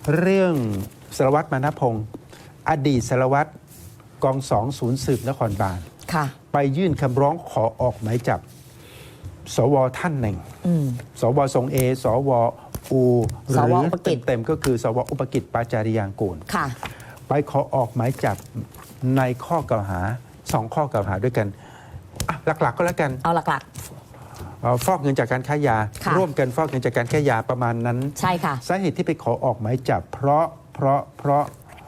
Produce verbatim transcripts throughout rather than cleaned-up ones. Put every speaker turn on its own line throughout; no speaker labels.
เรื่องสารวัตรมานะพงศ์อดีตสารวัตรกองสองศูนย์สืบนครบาลไปยื่นคำร้องขอออกหมายจับสวท่านหนึ่งสวทรงเอสวอูหรือเต็มๆก็คือสวอุปกิจปาจาริยางกูลไปขอออกหมายจับในข้อกล่าวหาสองข้อกล่าวหาด้วยกันหลักๆก็แล้วกัน
เอาหลัก
ๆฟอกเงินจากการค้ายาร่วมกันฟอกเงินจากการค้ายาประมาณนั้น
ใช่ค่ะ
สาเหตุที่ไปขอออกหมายจับเพราะเพราะเพราะ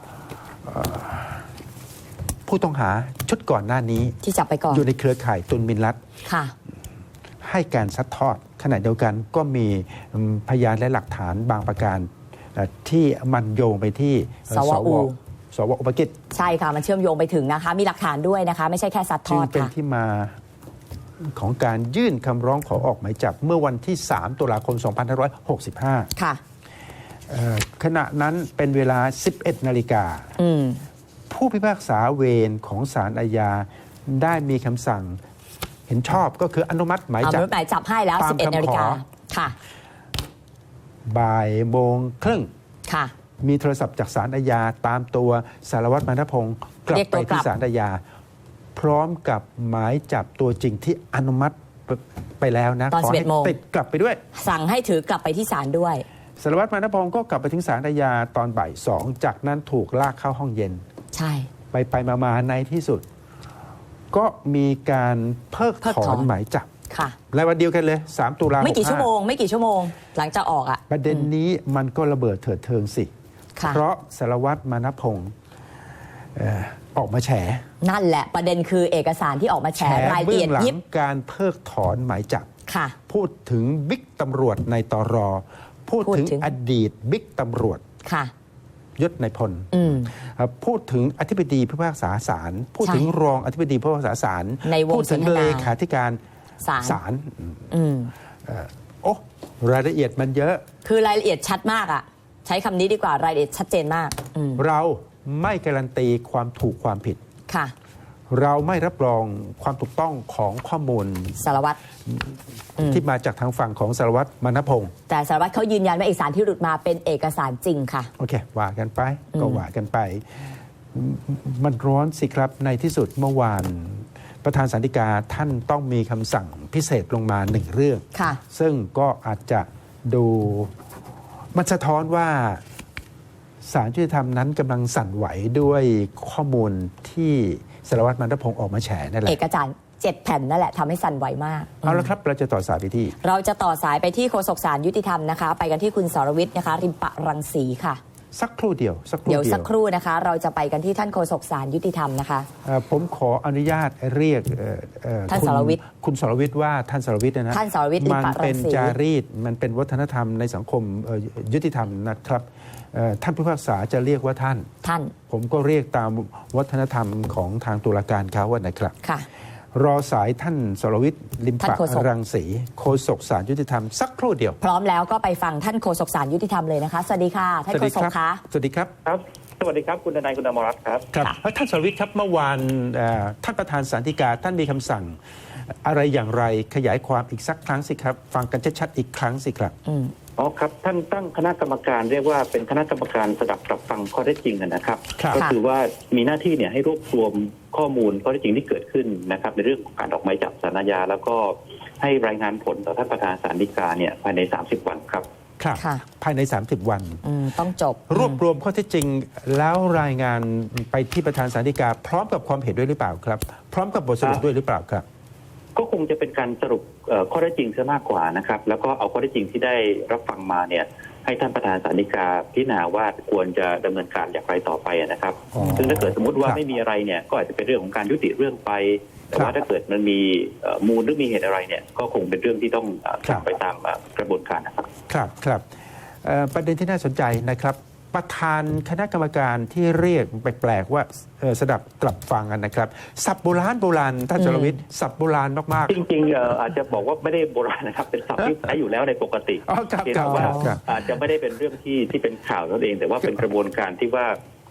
ผู้ต้องหาชุดก่อนหน้านี้
ที่จับไปก่อน
อยู่ในเครือข่ายตุนมินลัด
ค่ะ
ให้การซัดทอดขณะเดียวกันก็มีพยานและหลักฐานบางประการที่มันโยงไปที่
สวอู
สวอุปกิจ
ใช่ค่ะมันเชื่อมโยงไปถึงนะคะมีหลักฐานด้วยนะคะไม่ใช่แค่ซัดทอด
ค่ะจึงเป็นที่มาของการยื่นคำร้องขอออกหมายจับเมื่อวันที่สามตุลาคมสองพันห้าร้อยหกสิบห้า
ค่ะ
ขณะนั้นเป็นเวลาสิบเอ็ดนาฬิกาผู้พิพากษาเวรของศาลอาญาได้มีคำสั่งเห็นชอบก็คืออนุมัติหมายจับ
หมายจับให้แล้วสิบเอ็ดนาฬิกาค่ะ
บ่ายโมงครึ่ง
ค่ะ
มีโทรศัพท์จากศาลอาญาตามตัวสารวัตรมานะพงศ์กลับไปที่ศาลอาญาพร้อมกับหมายจับตัวจริงที่อนุมัติไปแล้วนะ
ตอนสิบเอ็ดโมง
ติดกลับไปด้วย
สั่งให้ถือกลับไปที่ศาลด้วย
สารวัตรมานะพงศ์ก็กลับไปถึงศาลอาญาตอนบ่ายสองจากนั้นถูกลากเข้าห้องเย็น
ใช่
ไปไปมาๆในที่สุดก็มีการเพิกถอนหมายจับ
ค่ะ
ในวันเดียวกันเลยสามตุลาคม
ไม่กี่ชั่วโมงไม่กี่ชั่วโมงหลังจากออกอ่ะ
ประเด็นนี้มันก็ระเบิดเถิดเทิงสิเพราะสารวัตรมานะพงศ์ออกมาแฉ
นั่นแหละประเด็นคือเอกสารที่ออกมาแฉรายละเอียดยิบ
การเพิกถอนหมายจับ
ค่ะ
พูดถึงบิ๊กตำรวจในตร.พูดถึงอดีตบิ๊กตำรวจ
ค่ะ
ยศนายพลพูดถึงอธิบดีผู้พิพากษาศาลพูดถึงรองอธิบดีผู้พิพากษาศาลพูดถึงเลขาธิการศาลโอ้รายละเอียดมันเยอะ
คือรายละเอียดชัดมากอ่ะใช้คำนี้ดีกว่ารายละเอียดชัดเจนมาก
เราไม่การันตีความถูกความผิด
ค่ะ
เราไม่รับรองความถูกต้องของข้อมูล
สารวัตร
ที่มาจากทางฝั่งของสารวัตรมานะพงศ์
แต่สารวัตรเขายืนยันว่าเอกสารที่หลุดมาเป็นเอกสารจริงค่ะ
โอเคว่ากันไปก็ว่ากันไปมันร้อนสิครับในที่สุดเมื่อวานประธานศาลฎีกาท่านต้องมีคำสั่งพิเศษลงมาหนึ่งเรื่องซึ่งก็อาจจะดูมันสะท้อนว่าศาลยุติธรรมนั้นกำลังสั่นไหวด้วยข้อมูลที่สารวัตรมานะพงศ์ออกมาแฉนั่นแหละ
เอกสารเจ็ดแผ่นนั่นแหละทำให้สั่นไหวมาก
เอาละครับเราจะต่อสายไปที่
เราจะต่อสายไปที่โฆษกศาลยุติธรรมนะคะไปกันที่คุณสรวิทย์นะคะริมปะรังสีค่ะ
สักครู่เดียวสักครู่
เดี๋ยวสักครู่นะคะเราจะไปกันที่ท่านโฆษกศาลยุติธรรมนะคะ
ผมขออนุญาตเรียก
ท่านสรวิทย์
คุณสรวิทย์ว่าท่านสรวิทย์นะ
ท่านสรวิทย์
มันเป็นจารีตมันเป็นวัฒนธรรมในสังคมยุติธรรมนะครับท่านผู้พิพากษาจะเรียกว่าท่าน
ท่าน
ผมก็เรียกตามวัฒนธรรมของทางตุลาการเขาว่านะครับ
ค่ะ
รอสายท่านสรวิทย์ลิมปะรังสีโฆษกศาลยุติธรรมสักครู่เดียว
พร้อมแล้วก็ไปฟังท่านโฆษกศาลยุติธรรมเลยนะคะสวัสดีค่ะท่านโฆษกคะ
สวัสดีครับ
ครับสวัสดีครับคุณนายคุณอมรรัตน์ครับ
ครับท่านสรวิทย์ครับเมื่อวานท่านประธานศาลฎีกาท่านมีคำสั่งอะไรอย่างไรขยายความอีกสักครั้งสิครับฟังกันชัดๆอีกครั้งสิครับ
อ๋อครับท่านตั้งคณะกรรมการเรียกว่าเป็นคณะกรรมการสดับรับฟังข้อเท็จจริงนะครับก็คือว่ามีหน้าที่เนี่ยให้รวบรวมข้อมูลข้อเท็จจริงที่เกิดขึ้นนะครับในเรื่องของการออกหมายจับศาลอาญาแล้วก็ให้รายงานผลต่อท่านประธานศาลฎีกาเนี่ยภายในสามสิบวันครับ
ครับภายในสามสิบวัน
ต้องจบ
รวบรวมข้อเท็จจริงแล้วรายงานไปที่ประธานศาลฎีกาพร้อมกับความเห็นด้วยหรือเปล่าครับพร้อมกับบทสรุปด้วยหรือเปล่าครับ
ก็คงจะเป็นการสรุปข้อเท็จจริงซะมากกว่านะครับแล้วก็เอาข้อเท็จจริงที่ได้รับฟังมาเนี่ยให้ท่านประธานศาลฎีกาพิจารณาว่าควรจะดำเนินการอย่างไรต่อไปนะครับซึ่งถ้าเกิดสมมติว่าไม่มีอะไรเนี่ยก็อาจจะเป็นเรื่องของการยุติเรื่องไปแต่ว่าถ้าเกิดมันมีมูลหรือมีเหตุอะไรเนี่ยก็คงเป็นเรื่องที่ต้องทำไปตามกระบวนการนะครับ
ครับครับประเด็นที่น่าสนใจนะครับประธานคณะกรรมการที่เรียกแปลกๆว่าสดับกลับฟังกันนะครับศัพท์โบราณโบราณท่านจรวิทย์ศัพท์โบราณมาก
ๆจริงๆอาจจะบอกว่าไม่ได้โบราณนะครับเป็นศัพท์ที่ใช้อยู่แล้วในปกติ
แต่
ว่าอาจจะไม่ได้เป็นเรื่องที่ที่เป็นข่าวนั่นเองแต่ว่าเป็นกระบวนการที่ว่า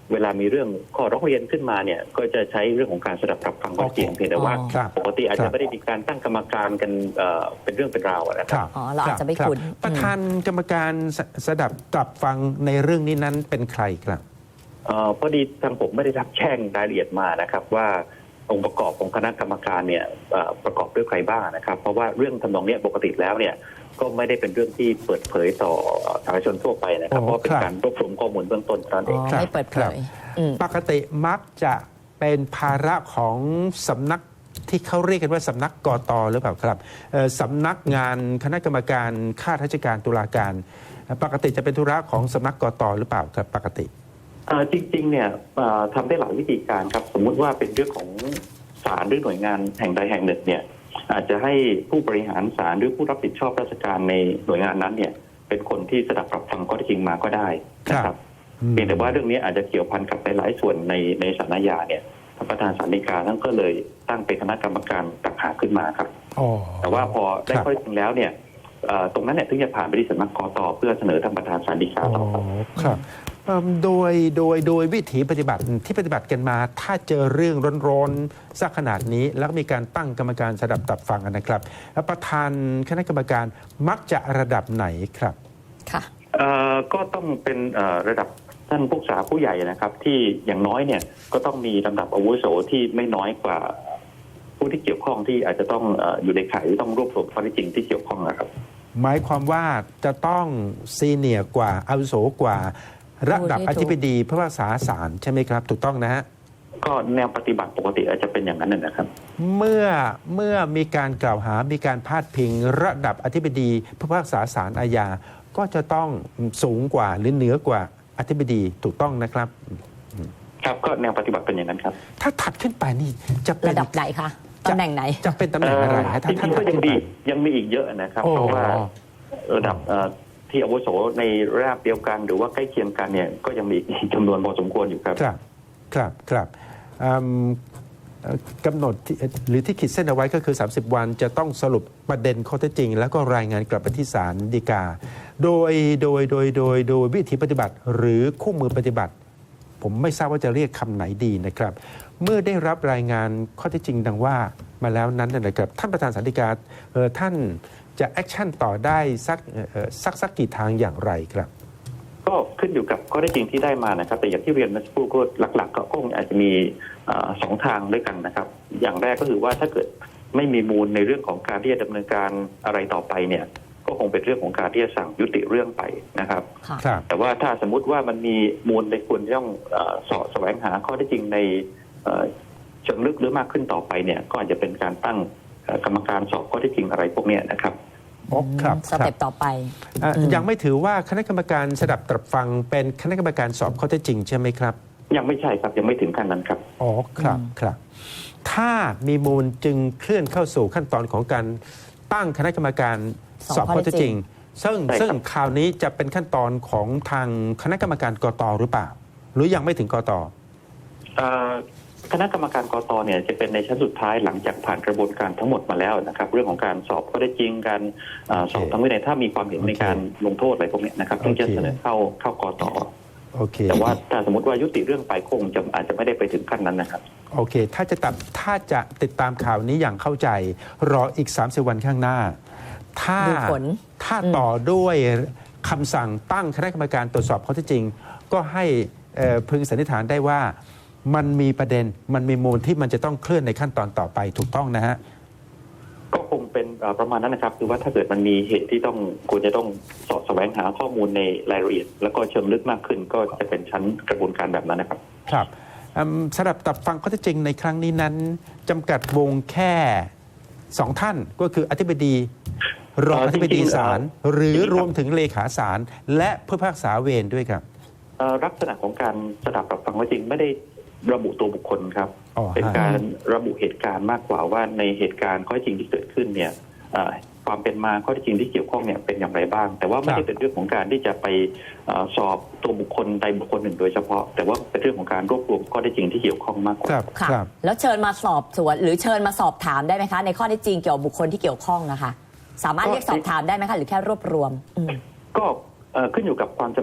เวลามีเรื่องข้อร้องเรียนขึ้นมาเนี่ยก็จะใช้เรื่องของการสดับรับฟังข้อเท็จจริงเพียงแต่ว่า
ครับ
ปกติอาจจะไม่ได้มีการตั้งกรรมการกันเอ่อเป็นเรื่องเป็นราวอะนะค
ครับ รับ
อ๋อเราอาจจะไม่
รับ
คุ้น
ประธานกรรมการสสดับตรับฟังในเรื่องนี้นั้นเป็นใครครับ
เอ่อพอดีทางผมไม่ได้รับแจ้งรายละเอียดมานะครับว่าองค์ประกอบของคณะกรรมการเนี่ยเอ่อประกอบด้วยใครบ้างนะครับเพราะว่าเรื่องทำนองเนี้ยปกติแล้วเนี่ยก็ไม่ได้เป็นเรื่องที่เปิดเผยต่อสาธารณชนทั่วไปนะครับ
โอ้
เพราะเป็น
ครับ
การรวบรวมข้อมูลเบื้องต้นเท่านั้นเอง
อ๋อ
ครับ
ไม่เปิดเผ
ครับ
ยอืม
ปกติมักจะเป็นภาระของสำนักที่เขาเรียกกันว่าสำนักกตหรือเปล่าครับเอ่อสำนักงานคณะกรรมการข้าราชการตุลาการปกติจะเป็นธุระของสำนักกตหรือเปล่าครับปกติ
เอ่อจริงๆเนี่ยเอ่อทำได้หลายวิธีการครับสมมุติว่าเป็นเรื่องของศาลหรือหน่วยงานแห่งใดแห่งหนึ่งเนี่ยอาจจะให้ผู้บริหารศาลหรือผู้รับผิดชอบราชการในหน่วยงานนั้นเนี่ยเป็นคนที่สดับรับฟังข้อเท็จจริงมาก็ได้นะครับ
อืม
เพียงแต่ว่าเรื่องนี้อาจจะเกี่ยวพันกับหลายๆส่วนในในศาลอาญาเนี่ยท่านประธานศาลฎีกาท่านก็เลยตั้งเป็นคณะกรรมการต่างหากขึ้นมาครับ
อ๋อ
แต่ว่าพอได้
ครับ
ข้อเท็จจริงแล้วเนี่ยเอ่อตรงนั้นเนี่ยถึงจะผ่านไปที่สำนักกตเพื่อเสนอท่านประธานศาลฎีกา
อ๋อ
ต่อครับ
ครับเอิ่มโดยโดยโดยวิถีปฏิบัติที่ปฏิบัติกันมา ถ้าเจอเรื่องร้อนๆสักขนาดนี้ แล้วก็มีการตั้งกรรมการสดับตับฟังกันนะครับแล้วประธานคณะกรรมการมักจะระดับไหนครับ
ค่ะ
เอ่อก็ต้องเป็นเอ่อระดับท่านผู้ศึกษาผู้ใหญ่นะครับ ที่อย่างน้อยเนี่ยก็ต้องมีลำดับอาวุโสที่ไม่น้อยกว่าผู้ที่เกี่ยวข้องที่อาจจะต้องเอ่ออยู่ในข่ายที่ต้องรวบรวมข้อเท็จจริงที่เกี่ยวข้องนะครับ
หมายความว่าจะต้องซีเนียร์กว่าอาวุโสกว่าระดับอธิบดีผู้พิพากษาศาลใช่ไหมครับ ถูกต้องนะฮะ
ก็แนวปฏิบัติปกติอาจจะเป็นอย่างนั้นนะนะครับ
เมื่อเมื่อมีการกล่าวหา มีการพาดพิงระดับอธิบดีผู้พิพากษาศาลอาญาก็จะต้องสูงกว่าหรือเหนือกว่าอธิบดีถูกต้องนะครับ
ครับก็แนวปฏิบัติเป็นอย่างนั้นครับ
ถ้าถัดขึ้นไปนี่จะเป็น
ระดับไหนคะตำแหน่งไหน
จะเป็นตำแหน่งอะไรฮะ
จ
ถ้า
ริ
ท่าน
งๆก็
ถัด
ยัง
ขึ้นไป
มียังมีอีกเยอะนะครับ
โอ้
เพราะว่าระดับเอ่อที่อาวุโสในระดับเดียวกัน หรือว่าใกล้เคียงกันเนี่ยก็ยังมีอีกจำนวนพอสมควรอยู่ครับ
ครับครับครับอืมเอ่อกำหนดที่หรือที่ขีดเส้นเอาไว้ก็คือ สามสิบ วันจะต้องสรุปประเด็นข้อเท็จจริง แล้วก็รายงานกลับไปที่ศาลฎีกา โดยโดยโดยโดยโดยวิธีปฏิบัติหรือคู่มือปฏิบัติ ผมไม่ทราบว่าจะเรียกคำไหนดีนะครับ เมื่อได้รับรายงานข้อเท็จจริงดังว่ามาแล้วนั้นนะครับท่านประธานศาลฎีกาเอ่อท่านจะแอคชั่นต่อได้สักเอ่อเอ่อสักสักกี่ทางอย่างไรครับ
ก็ขึ้นอยู่กับข้อเท็จจริงที่ได้มานะครับ แต่อย่างที่เรียนเมื่อสักครู่ก็หลักๆ ก็คงอาจจะมีเอ่อสองทางด้วยกันนะครับ อย่างแรกก็คือว่าถ้าเกิดไม่มีมูลในเรื่องของการที่จะดำเนินการอะไรต่อไปเนี่ยก็คงเป็นเรื่องของการที่จะสั่งยุติเรื่องไปนะครับ
ค่ะ
ครับ
แต่ว่าถ้าสมมุติว่ามันมีมูลในควรจะต้องเอ่อเสาะแสวงหาข้อเท็จจริงในเอ่อเชิงลึกหรือมากขึ้นต่อไปเนี่ยก็อาจจะเป็นการตั้งเอ่อกรรมการสอบข้อเท็จจริงอะไรพวกเนี้ยนะครับ
อ๋อครับ
สเต็ปต่อไป
อ่ะ
อืม
ยังไม่ถือว่าคณะกรรมการสดับตรับฟังเป็นคณะกรรมการสอบข้อเท็จจริงใช่ไหมครับ
ยังไม่ใช่ครับยังไม่ถึงขั้นนั้นครับ
อ๋อครับครับ ถ้ามีมูลจึงเคลื่อนเข้าสู่ขั้นตอนของการตั้งคณะกรรมการสอบข้อเท็จจริง ซึ่ง
ใช่ครับ
ซึ่งคราวนี้จะเป็นขั้นตอนของทางคณะกรรมการกตหรือเปล่า หรือยังไม่ถึงกต
เอ่อคณะกรรมการกตเนี่ยจะเป็นในชั้นสุดท้ายหลังจากผ่านกระบวนการทั้งหมดมาแล้วนะครับ เรื่องของการสอบข้อเท็จจริงการเอ่อสอบทางวินัยถ้ามีความเห็นในการลงโทษอะไรพวกเนี้ยนะครับถึงจะเสนอเข้าเข้ากต
โอเค
แต่ว่าถ้าสมมติว่ายุติเรื่องไปคงจะอาจจะไม่ได้ไปถึงขั้นนั้นนะครับ
โอเค ถ้าจะตัดถ้าจะติดตามข่าวนี้อย่างเข้าใจ รออีก สามสิบ วันข้างหน้า ถ้า
ดูผล
ถ้าต่อด้วยคำสั่งตั้งคณะกรรมการตรวจสอบข้อเท็จจริง ก็ให้เอ่อพึงสันนิษฐานได้ว่ามันมีประเด็นมันมีมูลที่มันจะต้องเคลื่อนในขั้นตอนต่อไปถูกต้องนะฮะ
ก็คงเป็นเอ่อประมาณนั้นนะครับคือว่าถ้าเกิดมันมีเหตุที่ต้องควรจะต้องสอบแสวงหาข้อมูลในรายละเอียด แล้วก็เชิงลึกมากขึ้น ก็จะเป็นชั้นกระบวนการแบบนั้นนะครับ
ครับอืมสำหรับตับฟังข้อเท็จจริงในครั้งนี้นั้นจำกัดวงแค่สองท่านก็คืออธิบดีรอง
เอ่อ
อธิบดี
จริงๆ
ศาล
เอ่อ
หรือ
จริงๆครับ
รวมถึงเลขาศาลและผู้พิพากษาเวรด้วยครับ
เอ่อลักษณะของการสดับรับฟังข้อจริงไม่ได้ระบุตัวบุคคลครับ
อ๋อ
เป็น
ฮะ
การระบุเหตุการณ์มากกว่าว่าในเหตุการณ์ข้อเท็จจริงที่เกิดขึ้นเนี่ยเอ่อความเป็นมาข้อเท็จจริงที่เกี่ยวข้องเนี่ยเป็นอย่างไรบ้าง แต่ว่าไม่ได้เป็นเรื่องของการที่จะไปเอ่อสอบตัวบุคคลใดบุคคลหนึ่งโดยเฉพาะ แต่ว่าเป็นเรื่องของการรวบรวมข้อเท็จจริงที่เกี่ยวข้องมากกว่า
ครับ
ค่ะ
ครับ
แล้วเชิญมาสอบสวนหรือเชิญมาสอบถามได้ไหมคะ ในข้อเท็จจริงเกี่ยวกับบุคคลที่เกี่ยวข้องนะคะ สามารถ
ก็
เรียกสอบถามได้ไหมคะหรือแค่รวบรวมอืม
ก็เอ่อขึ้นอยู่กับความจำเป็นที่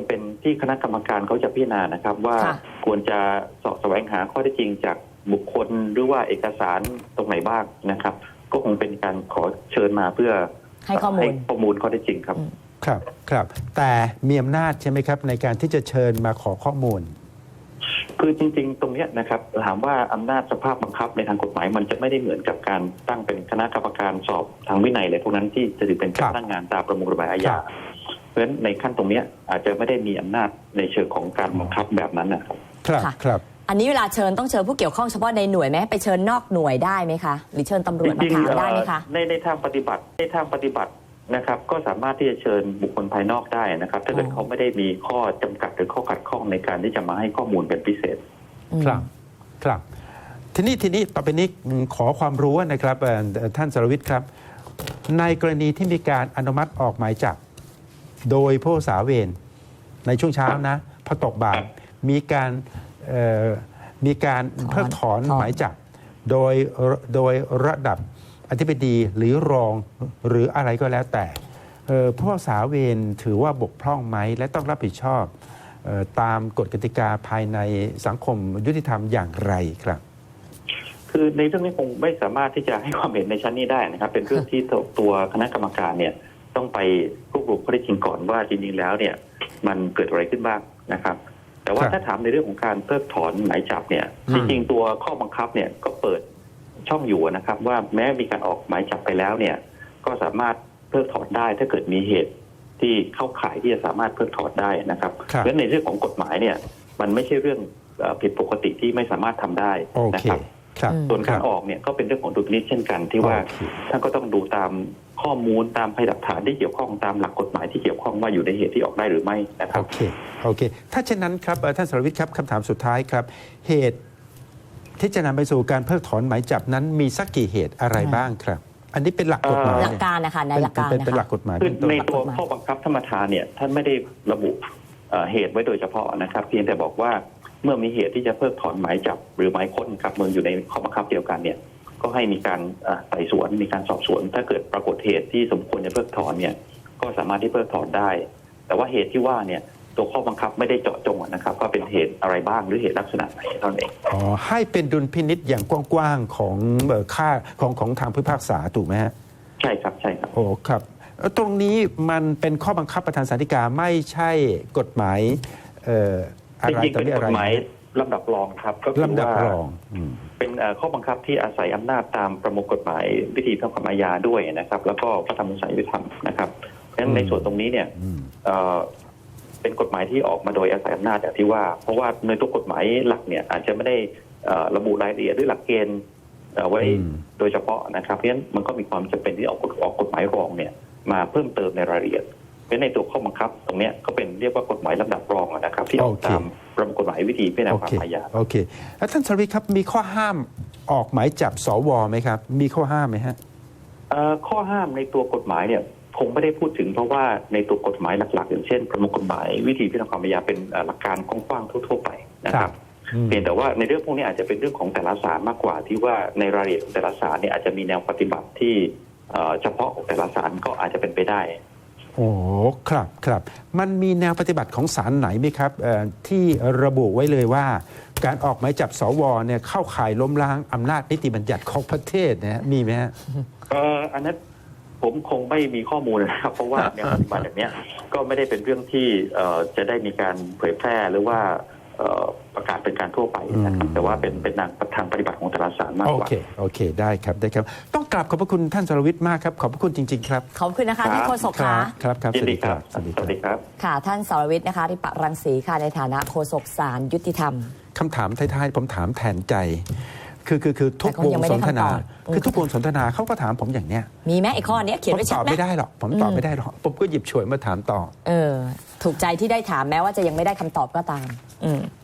ที่คณะกรรมการเขาจะพิจารณานะครับว่า
ค่ะ
ควรจะเสาะแสวงหาข้อเท็จจริงจากบุคคลหรือว่าเอกสารตรงไหนบ้างนะครับ ก็คงเป็นการขอเชิญมาเพื่อ
ให้ข้อมูล
ข้อมูลข้อเท็จจริงครับ
ครับครับแต่มีอำนาจใช่ไหมครับในการที่จะเชิญมาขอข้อมูล
คือจริงๆ ตรงเนี้ยนะครับถามว่าอำนาจสภาพบังคับในทางกฎหมายมันจะไม่ได้เหมือนกับการตั้งเป็นคณะกรรมการสอบทางวินัยเลยพวกนั้นที่จะถือเป็นการตั้งงานตามประมวลกฎหมายอาญาเพราะฉะนั้นในขั้นตรงเนี้ยอาจจะไม่ได้มีอำนาจในเชิงของการบังคับแบบนั้นนะครับ
ครับ
ค่ะ
ครับ
อันนี้เวลาเชิญต้องเชิญผู้เกี่ยวข้องเฉพาะในหน่วยไหมไปเชิญนอกหน่วยได้ไหมคะหรือเชิญตำรวจมา
จริง
ถาม
ๆ
ได้ไหม
เอ่
คะ
อในในทางปฏิบัติในทางปฏิบัตินะครับ ก็สามารถที่จะเชิญบุคคลภายนอกได้นะครับ ถ้าเกิด
อ๋อ
เขาไม่ได้มีข้อจำกัดหรือข้อขัดข้องในการที่จะมาให้ข้อมูลเป็นพิเศษ
ครับครับทีนี้ทีนี้ต่อไปนี้ขอความรู้นะครับเอ่อเอ่อท่านสรวิทย์ครับ ในกรณีที่มีการอนุมัติออกหมายจับโดยผู้สาเวรในช่วงเช้านะพอตกบ่ายมีการเอ่อมีการ
ถอน
เพิกถอน
ถอน
หมายจับโดยโดยระดับอธิบดีหรือรองหรืออะไรก็แล้วแต่เอ่อผู้สาเวรถือว่าบกพร่องไหมและต้องรับผิดชอบเอ่อตามกฎกติกาภายในสังคมยุติธรรมอย่างไรครับ
คือในเรื่องนี้คงไม่สามารถที่จะให้ความเห็นในชั้นนี้ได้นะครับ เป็นเรื่องที่ตัวตัวคณะกรรมการเนี่ยต้องไปรวบรวมข้อเท็จจริงก่อนว่าจริงๆแล้วเนี่ยมันเกิดอะไรขึ้นบ้างนะครับ แต่ว่า
ครับ
ถ้าถามในเรื่องของการเพิกถอนหมายจับเนี่ย
อืม
จริงๆตัวข้อบังคับเนี่ยก็เปิดช่องอยู่นะครับ ว่าแม้มีการออกหมายจับไปแล้วเนี่ยก็สามารถเพิกถอนได้ถ้าเกิดมีเหตุที่เข้าข่ายที่จะสามารถเพิกถอนได้นะครับ
ครับ
เพราะฉะนั้นในเรื่องของกฎหมายเนี่ยมันไม่ใช่เรื่องเอ่อผิดปกติที่ไม่สามารถทำได้
โอ
นะ
เค
ครับ
ครับ
ส่วนการ
คบ
ออกเนี่ยก็เป็นเรื่องของดุลพินิจเช่นกันที่ว่า
โอเค
ท่านก็ต้องดูตามข้อมูลตามพยานหลักฐานที่เกี่ยวข้องตามหลักกฎหมายที่เกี่ยวข้องว่าอยู่ในเหตุที่ออกได้หรือไม่นะครั
โอบ เค โอเค ถ้าเช่นนั้นครับเอ่อท่านสรวิทย์ครับคำถามสุดท้ายครับ เหตุที่จะนำไปสู่การเพิกถอนหมายจับนั้นมีสักกี่เหตุอะไรบ้างครับ อันนี้เป็นหลักกฎหมาย
หลัก
เนี่ย
การนะคะใน
เป็น
หลักการ
เป็น
นะ
เป็นหลั
คะ
กกฎหมาย
คือ
เป็นต้น
ในตัว
หลักกฎหมาย
ข้อบังคับธรรมทานเนี่ยท่านไม่ได้ระบุเอ่อเหตุไว้โดยเฉพาะนะครับ เพียงแต่บอกว่าเมื่อมีเหตุที่จะเพิกถอนหมายจับหรือหมายค้นกับเมืองอยู่ในข้อบังคับเดียวกันเนี่ยก็ให้มีการเอ่อไต่สวนมีการสอบสวน ถ้าเกิดปรากฏเหตุที่สมควรจะเพิกถอนเนี่ยก็สามารถที่เพิกถอนได้ แต่ว่าเหตุที่ว่าเนี่ยตัวข้อบังคับไม่ได้เจาะจงนะครับว่าเป็นเหตุอะไรบ้างหรือเหตุลักษณะไหนเท่านั้นเอง
อ๋อให้เป็นดุลพินิษอย่างกว้างๆของเอ่อค่าของของทางผู้พิพากษาถูกไหมฮะ
ใช่ครับใช่ครับ
โอ้ครับเอ่อตรงนี้มันเป็นข้อบังคับประธานศาลฎีกาไม่ใช่กฎหมายเอ่ออะ
จ
ไร
ริงๆ
ต่อ
เป็น
มี
ก
อะไร
ฎหมายลำดับรองครับก็คือ
ลำดับ
ว่าร
องอืม
เป็นเอ่อข้อบังคับที่อาศัยอำนาจตามประมวลกฎหมายวิธีพิพากษาอาญาด้วยนะครับ แล้วก็พระธรรมวินัยยุติธรรมนะครับเพราะฉะนั้นในส่วนตรงนี้เนี่ย
อืม
เอ่อเป็นกฎหมายที่ออกมาโดยอาศัยอำนาจอย่างที่ว่า เพราะว่าในตัวกฎหมายหลักเนี่ยอาจจะไม่ได้เอ่อระบุรายละเอียดด้วยหลักเกณฑ์เอ่อไว้
อืม
โดยเฉพาะนะครับเพราะฉะนั้นมันก็มีความจำเป็นที่ออกกฎออกกฎหมายรองเนี่ยมาเพิ่มเติมในรายละเอียดเพราะฉะนั้นในตัวข้อบังคับตรงเนี้ยก็เป็นเรียกว่ากฎหมายลำดับรองนะครับ ที่ออกตามประมวลกฎหมายวิธีพิจารณา
โอ
ความ
เค
อาญา
โอเคแล้วท่านสรวิทย์ครับมีข้อห้ามออกหมายจับสวไหมครับ มีข้อห้ามไหมฮะ
เอ่อข้อห้ามในตัวกฎหมายเนี่ยคงไม่ได้พูดถึงเพราะว่าในตัวกฎหมายหลักๆ อย่างเช่นประมวลกฎหมายวิธีพิจารณาความอาญาเป็นเอ่อหลักการกว้างๆทั่วๆไปนะครับ
อืม
เพียงแต่ว่าในเรื่องพวกนี้อาจจะเป็นเรื่องของแต่ละศาลมากกว่าที่ว่าในรายละเอียดของแต่ละศาลเนี่ยอาจจะมีแนวปฏิบัติที่เอ่อเฉพาะของแต่ละศาลก็อาจจะเป็นไปได้
โอ้ครับครับมันมีแนวปฏิบัติของศาลไหนไหมครับเอ่อที่ระบุไว้เลยว่า การออกหมายจับสวเนี่ยเข้าข่ายล้มล้างอำนาจนิติบัญญัติของประเทศนะฮะมีไหมฮะ
เอ่ออันนั้นผมคงไม่มีข้อมูลนะครับ เพราะว่าแนวปฏิบัติแบบเนี้ยก็ไม่ได้เป็นเรื่องที่เอ่อจะได้มีการเผยแพร่หรือว่าเอ่อประกาศเป็นการทั่วไปนะครับ
อืม
แต่ว่าเป็นเป็นทางปฏิบัติของแต่ละศาลมาก
โอก
ว่า
เคโอเคได้ครับได้ครับ ต้องกราบขอบพระคุณท่านสรวิทย์มากครับขอบพระคุณจริง ๆ ครับ
ขอบคุณนะคะท่านโฆษก
ครั
คะ
บครับครับ
ยิ
ส
น
วัส
ดี
ดี
ค
ค
รั
รั
บบ
สวัสดี
ส
ค
วั
รั
ส
บ
ดีครับ
ค่ะท่านสรวิทย์นะคะริปรังสีค่ะในฐานะโฆษกศาลยุติธรรม
คำถามท้ายๆผมถามแทนใจ คือคือคือทุก
แต่ก็
วง
ยังไม่
ส
ได้
นทนา
คำตอบอืม
คือทุกวงสนทนาเขาก็ถามผมอย่างเนี้ย
มีไหมไอ้ข้อเนี้ยเขียน
ผม
ไว้
ต
ชั
อ
ด
บ
ไหม
ไม่ได้หรอกผมตอบ
อืม
ไม่ได้หรอกผมก็หยิบฉวยมาถามต่อ
เออถูกใจที่ได้ถามแม้ว่าจะยังไม่ได้คำตอบก็ตาม อืม